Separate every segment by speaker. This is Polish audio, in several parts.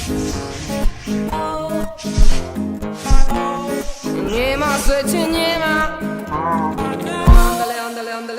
Speaker 1: Nie ma, że cię nie ma. Andale, andale, andale.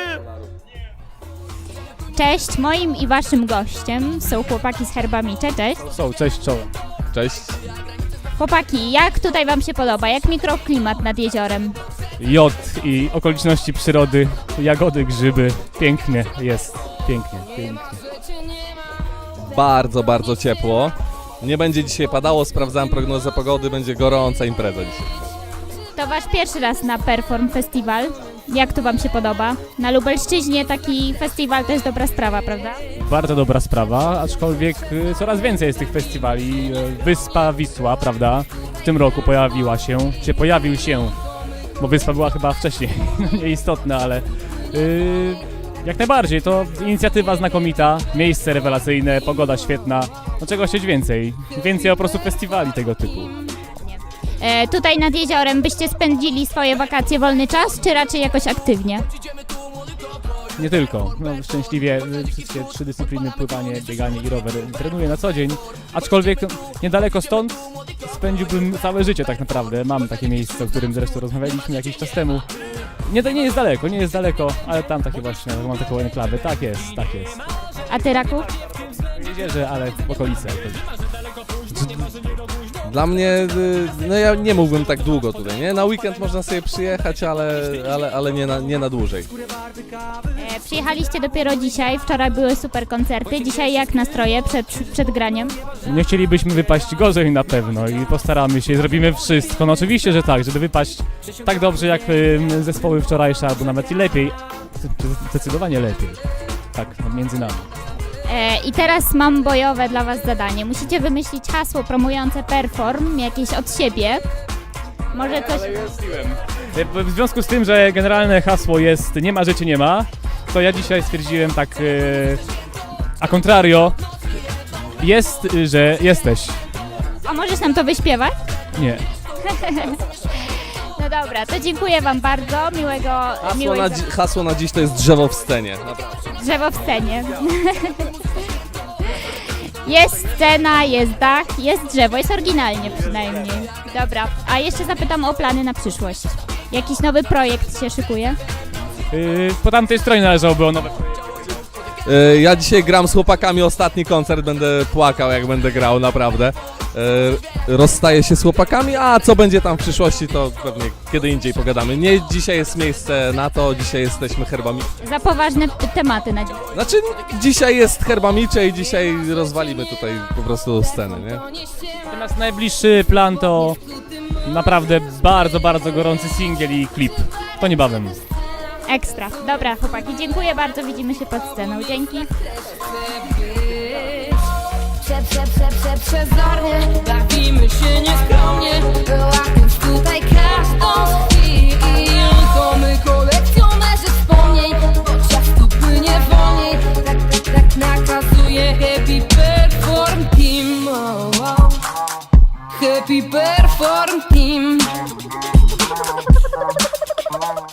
Speaker 2: Cześć, moim i waszym gościem są chłopaki z Herbamicze. Cześć.
Speaker 3: Cześć, czołem. Cześć.
Speaker 2: Chłopaki, jak tutaj wam się podoba? Jak mikroklimat nad jeziorem?
Speaker 3: Jod i okoliczności przyrody, jagody, grzyby. Pięknie jest. Pięknie, pięknie.
Speaker 4: Bardzo, bardzo ciepło. Nie będzie dzisiaj padało, sprawdzałem prognozę pogody, będzie gorąca impreza dzisiaj.
Speaker 2: To wasz pierwszy raz na Perform Festival. Jak to wam się podoba? Na Lubelszczyźnie taki festiwal to jest dobra sprawa, prawda?
Speaker 3: Bardzo dobra sprawa, aczkolwiek coraz więcej jest tych festiwali. Wyspa Wisła, prawda? W tym roku pojawił się, bo wyspa była chyba wcześniej, nieistotna, ale jak najbardziej, to inicjatywa znakomita, miejsce rewelacyjne, pogoda świetna, no czego chcieć więcej? Więcej po prostu festiwali tego typu.
Speaker 2: Tutaj nad jeziorem byście spędzili swoje wakacje, wolny czas, czy raczej jakoś aktywnie?
Speaker 3: Nie tylko. No, szczęśliwie wszystkie 3 dyscypliny, pływanie, bieganie i rower trenuję na co dzień, aczkolwiek niedaleko stąd spędziłbym całe życie tak naprawdę. Mam takie miejsce, o którym zresztą rozmawialiśmy jakiś czas temu. Nie jest daleko, ale tam takie właśnie, mam taką enklawę. Tak jest.
Speaker 2: A ty, Raku?
Speaker 3: W Jezierze, ale w okolicy.
Speaker 4: Dla mnie, no ja nie mógłbym tak długo tutaj, nie? Na weekend można sobie przyjechać, ale nie na dłużej.
Speaker 2: Przyjechaliście dopiero dzisiaj, wczoraj były super koncerty. Dzisiaj jak nastroje przed graniem?
Speaker 3: Nie chcielibyśmy wypaść gorzej na pewno i postaramy się, zrobimy wszystko. No oczywiście, że tak, żeby wypaść tak dobrze jak zespoły wczorajsze, albo nawet i lepiej. Zdecydowanie lepiej. Tak, między nami.
Speaker 2: I teraz mam bojowe dla was zadanie. Musicie wymyślić hasło promujące Perform, jakieś od siebie. Może coś...
Speaker 3: W związku z tym, że generalne hasło jest nie ma, że cię nie ma, to ja dzisiaj stwierdziłem tak a contrario, jest, że jesteś.
Speaker 2: A możesz nam to wyśpiewać?
Speaker 3: Nie.
Speaker 2: No dobra, to dziękuję wam bardzo, miłego...
Speaker 4: Hasło na dziś to jest drzewo w scenie.
Speaker 2: Drzewo w scenie. Jest scena, jest dach, jest drzewo, jest oryginalnie przynajmniej. Dobra, a jeszcze zapytam o plany na przyszłość. Jakiś nowy projekt się szykuje?
Speaker 3: Po tamtej stronie należałoby o nowe projekty.
Speaker 4: Ja dzisiaj gram z chłopakami ostatni koncert, będę płakał jak będę grał, naprawdę. Rozstaję się z chłopakami, a co będzie tam w przyszłości, to pewnie kiedy indziej pogadamy. Nie dzisiaj jest miejsce na to, dzisiaj jesteśmy Herbamicze.
Speaker 2: Za poważne tematy na dziś.
Speaker 4: Znaczy dzisiaj jest Herbamicze i dzisiaj rozwalimy tutaj po prostu scenę, nie?
Speaker 3: Natomiast najbliższy plan to naprawdę bardzo, bardzo gorący singiel i klip. To niebawem.
Speaker 2: Ekstra. Dobra, chłopaki, dziękuję bardzo, widzimy się pod sceną. Dzięki.
Speaker 1: Przezornie, bawimy się nieskromnie, łapiąc tutaj każdą z chwil. To my kolekcjonerzy wspomnień, bo czas tu płynie wolniej. Tak nakazuje Happy Perform Team. Happy Perform Team.